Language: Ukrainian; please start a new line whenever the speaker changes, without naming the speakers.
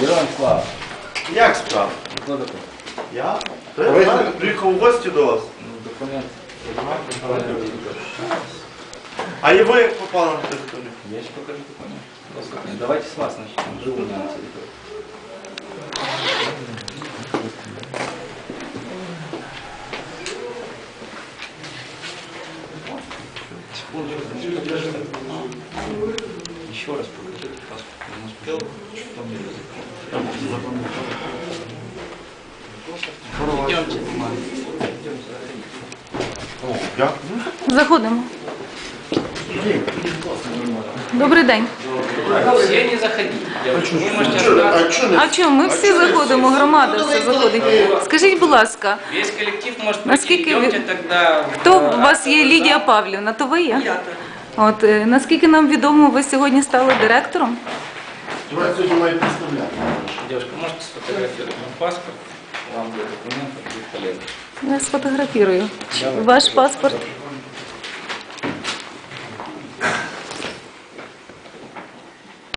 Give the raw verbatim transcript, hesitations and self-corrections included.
Героям слава.
Як справа?
Хто такий?
Я? Я приїхав у гості до вас.
Ну, документ.
А і ви як попали на територію?
Я ще покажу документ. Послухайте, давайте с вас начнем. Живу на территории. Еще раз покажите паспорт. Я не успел. Идемте, бумага. Идемте, заходите.
Я?
Заходимо. Добрий день.
Все не заходите. Вы можете остаться.
А чого не?
А чому? Ми всі заходимо, громада все заходить. Скажіть, будь ласка,
Весь коллектив может
Наскільки
прийти.
ви-
Идемте тогда. в-
хто у вас є Лідія Павлівна? То ви є?
Я так.
От, е, наскільки нам відомо, ви сьогодні стали директором?
Я сьогодні маю представляти.
Девушка, можете сфотографировать мой паспорт? Вам для документов будет полезно.
Я сфотографірую.
Давай.
Ваш паспорт.